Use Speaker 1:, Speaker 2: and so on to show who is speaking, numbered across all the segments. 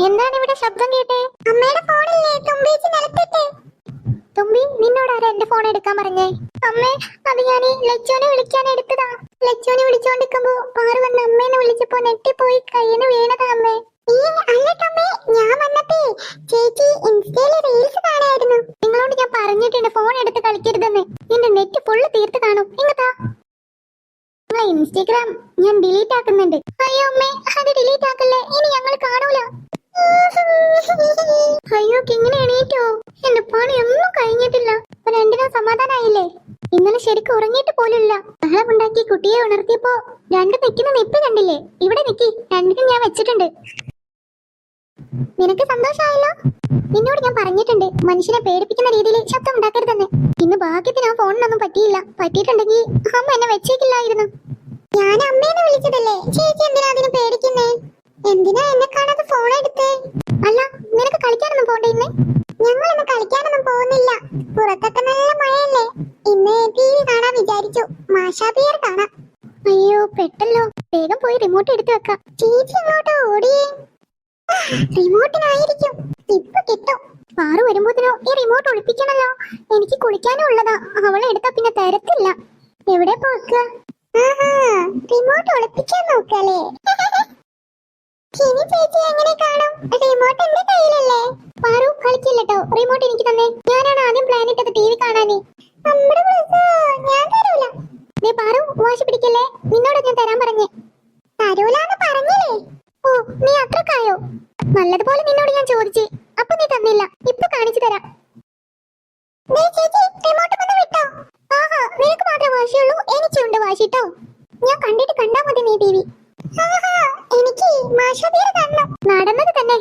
Speaker 1: എന്താണ് ഇവിടെ ശബ്ദം കേട്ടെ? അമ്മയുടെ ഫോണില്ലേ തുമ്പേച്ചി നിലത്തിട്ട്. തുമ്പി, നിന്നോടാരാ എന്റെ ഫോൺ എടുക്കാൻ പറഞ്ഞേ? അമ്മേ, അത് ഞാൻ ലച്ചോനെ വിളിക്കാൻ എടുത്തതാ. ലച്ചോനെ വിളിച്ചോണ്ടിരിക്കുമ്പോ പാറു വന്ന് അമ്മേനെ വിളിച്ചപ്പോ നെട്ടിപ്പോയി കയ്യിന് വീണതാ അമ്മേ. അല്ലട്ടമ്മേ, ഞാൻ വന്നപ്പോ ചേച്ചി ഇൻസ്റ്റയിലെ റീൽസ് കാണായിരുന്നു. നിങ്ങളോട് ഞാൻ പറഞ്ഞിട്ടുണ്ട് ഫോൺ എടുത്ത് കളിക്കരുതെന്ന്. നിന്റെ നെറ്റ് ഫുള്ള് തീർത്ത് കാണും. ഇങ്ങത്താ ഇൻസ്റ്റഗ്രാം ഞാൻ ഡിലീറ്റ് ആക്കുന്നുണ്ട്. അയ്യോ അമ്മേ, അത് ഡിലീറ്റ് ആക്കല്ലേ, ഇനി ഞങ്ങൾ കാണൂല. അയ്യോ, കിങ്ങനെ എണീറ്റോ? എന്റെ പണിയൊന്നും കഴിഞ്ഞിട്ടില്ല. രണ്ടിനും സമാധാനായില്ലേ? ഇന്നലെ ശരിക്കും ഉറങ്ങിയിട്ട് പോലുമില്ല. ബഹളമുണ്ടാക്കി കുട്ടിയെ ഉണർത്തിയപ്പോ രണ്ട് നിൽക്കുന്ന നിപ്പ് കണ്ടില്ലേ? ഇവിടെ നിക്കി, രണ്ടിനും ഞാൻ വെച്ചിട്ടുണ്ട്. നിനക്ക് സന്തോഷമായല്ലോ? നിന്നോട് ഞാൻ പറഞ്ഞിട്ടുണ്ട് മനുഷ്യനെ പേടിപ്പിക്കുന്ന രീതിയിൽ ശബ്ദം ഉണ്ടാക്കരുതെന്ന്. ഇന്ന് ഭാഗ്യത്തിന് ആ ഫോണിനൊന്നും പറ്റിയില്ല. പറ്റിയിട്ടുണ്ടെങ്കിൽ അമ്മ എന്നെ വെച്ചേക്കില്ലായിരുന്നു. ഞാൻ അമ്മേനെ വിളിച്ചതല്ലേ, ചേച്ചി എന്തിനാ അതിന് പേടിക്കുന്നേ? എന്തിനാ എന്നെ കാണാതെ ഫോൺ എടുത്തേ? അല്ല, നിനക്ക് കളിക്കാനൊന്നും പോണ്ടേ ഇന്ന്? ഞങ്ങൾ ഇന്ന് കളിക്കാനൊന്നും പോകുന്നില്ല. പുറത്തൊക്കെ നല്ല മഴയല്ലേ. ഇന്ന് TV കാണാൻ വിചാരിച്ചു. മാഷാബിയർ കാണാം. അയ്യോ പെട്ടല്ലോ, വേഗം പോയി റിമോട്ട് എടുത്തു വെക്കാം. ചേച്ചി ഇങ്ങോട്ട് ഓടിയേ. റിമോട്ടിനായിരിക്കും, ഇപ്പൊ കിട്ടും. പാറു വരുമ്പോത്തിനോ ഈ റിമോട്ട് ഒളിപ്പിക്കണല്ലോ. എനിക്ക് കുളിക്കാനും ഉള്ളതാ, അവളെ എടുത്താ പിന്നെ തരത്തില്ല. എവിടെ പോക്ക? റിമോട്ട് ഒളിപ്പിക്കാൻ നോക്കല്ലേ? ഇനി ചേച്ചി എങ്ങനെ കാണും? റിമോട്ട് എന്റെ കയ്യിലല്ലേ. പാറു കളിക്കില്ലട്ടോ, റിമോട്ട് എനിക്ക് തന്നെ. ഞാനാണ് ആദ്യം പ്ലാൻ ഇട്ടത് TV കാണാനേ. ഞാൻ തരൂല. നീ പാറു വാശി പിടിക്കല്ലേ, നിന്നോട് ഞാൻ തരാൻ പറഞ്ഞേ. തരൂലെന്ന് പറഞ്ഞില്ലേ? ഓ, നീ അത്രക്കായോ? നല്ലതുപോലെ നിന്നോട് ഞാൻ ചോദിച്ചു, അപ്പൊ നീ തന്നില്ല. ഇപ്പൊ കാണിച്ചു തരാം. ആഹാ, നിനക്ക് മാത്രം വാശിയുള്ളൂ, എനിക്കുണ്ട് വാശിട്ടോ. ഞാൻ കണ്ടിട്ട് കണ്ടാ മതി നീ TV. എനിക്ക് നടന്നത് തന്നെ.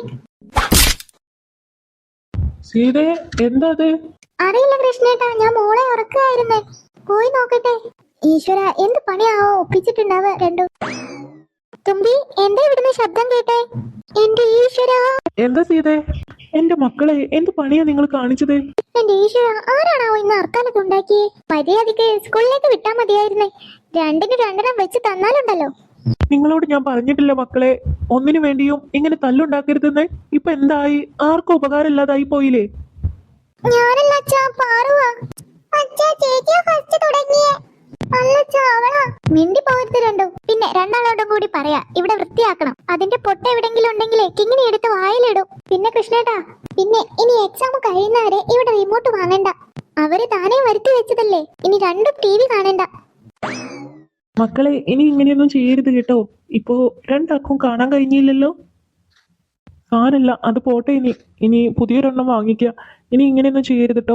Speaker 1: അറിയില്ല കൃഷ്ണേട്ടാ, ഞാൻ മോളെ ഉറക്കായിരുന്നേ. പോയി നോക്കട്ടെ. ഈശ്വര, എന്ത് പണിയാവോ ഒപ്പിച്ചിട്ടുണ്ടാവ രണ്ടും. തുമ്പി, എന്താ ഇവിടുന്ന് ശബ്ദം കേട്ടെ? എന്റെ ഈശ്വര,
Speaker 2: എന്താ സീതേ? എന്റെ മക്കളെ, എന്ത് പണിയാ നിങ്ങൾ കാണിച്ചത്?
Speaker 1: എന്റെ ഈശ്വര, ആരാണാവോ ഇന്ന് അർക്കാലത്ത് ഉണ്ടാക്കിയേ? മര്യാദക്ക് സ്കൂളിലേക്ക് വിട്ടാ മതിയായിരുന്നേ. രണ്ടിന് രണ്ടെണ്ണം വെച്ച് തന്നാലുണ്ടല്ലോ.
Speaker 2: നിങ്ങളോട് ഞാൻ പറഞ്ഞിട്ടില്ല മക്കളെ, ഒന്നിനു വേണ്ടിയും ഇങ്ങനെ തല്ലുണ്ടാക്കരുതെന്ന്. ഇപ്പൊ എന്തായി? ആർക്കും ഉപകാരമില്ലാതായി പോയില്ലേ?
Speaker 1: ഞാനല്ല അച്ഛാ, പാറുവാ. അച്ഛാ, ചേച്ചിയാ ഫസ്റ്റ് തുടങ്ങിയേ. അല്ലച്ചാ, അവളാ. മിണ്ടി പോകരുത് രണ്ടും. പിന്നെ രണ്ടാളോടും കൂടി പറയാ, ഇവിടെ വൃത്തിയാക്കണം. അതിന്റെ പൊട്ട എവിടെങ്കിലും ഉണ്ടെങ്കിലേ കിങ്ങിണി എടുത്ത് വായിലിടും. പിന്നെ കൃഷ്ണേട്ടാ, പിന്നെ ഇനി എക്സാം കഴിയുന്നവരെ ഇവിടെ റിമോട്ട് വാങ്ങണ്ട. അവര് താനേ വരുത്തി വെച്ചതല്ലേ. ഇനി രണ്ടും TV കാണണ്ട.
Speaker 2: മക്കളെ, ഇനി ഇങ്ങനെയൊന്നും ചെയ്യരുത് കേട്ടോ. ഇപ്പോ രണ്ടാൾക്കും കാണാൻ കഴിഞ്ഞില്ലല്ലോ. സാരല്ല, അത് പോട്ടെ. ഇനി പുതിയൊരെണ്ണം വാങ്ങിക്ക. ഇനി ഇങ്ങനെയൊന്നും ചെയ്യരുത് കേട്ടോ.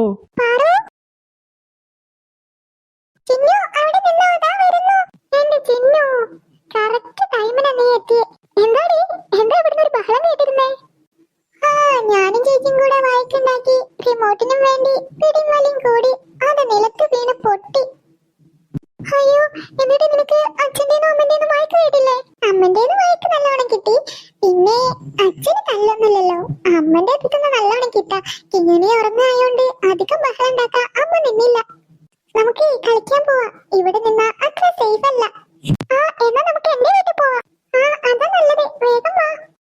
Speaker 1: ഞാനും ചേച്ചിയും കൂടെ വായിക്കുണ്ടാക്കി. റിമോട്ടിനും വേണ്ടി പിടിയും വലിയും കൂടി അത് നിലത്ത് വീണ് പൊട്ടി. അയ്യോ, എന്നിട്ട് നിനക്ക് അച്ഛൻ്റെന്നും അമ്മൻ്റെന്നും വായിക്ക് കേട്ടില്ലേ? അമ്മൻ്റെന്ന് വായിക്ക് നല്ലോണം കിട്ടി. പിന്നെ അച്ഛന് തല്ലൊന്നുമില്ലല്ലോ. അമ്മന്റെ അടുത്തുനിന്ന് നല്ലോണം കിട്ടാ. ഇങ്ങനെ ഉറങ്ങായോണ്ട് അധികം ബഹളം ഉണ്ടാക്കാൻ അമ്മ നിന്നില്ല. നമുക്ക് കളിക്കാൻ പോവാ. ഇവിടെ നിന്നാ അത്ര സേഫ് അല്ല. എന്നാ നമുക്ക് എന്റെ വീട്ടിൽ പോവാ. അതാ നല്ലത്. വേഗം വാ.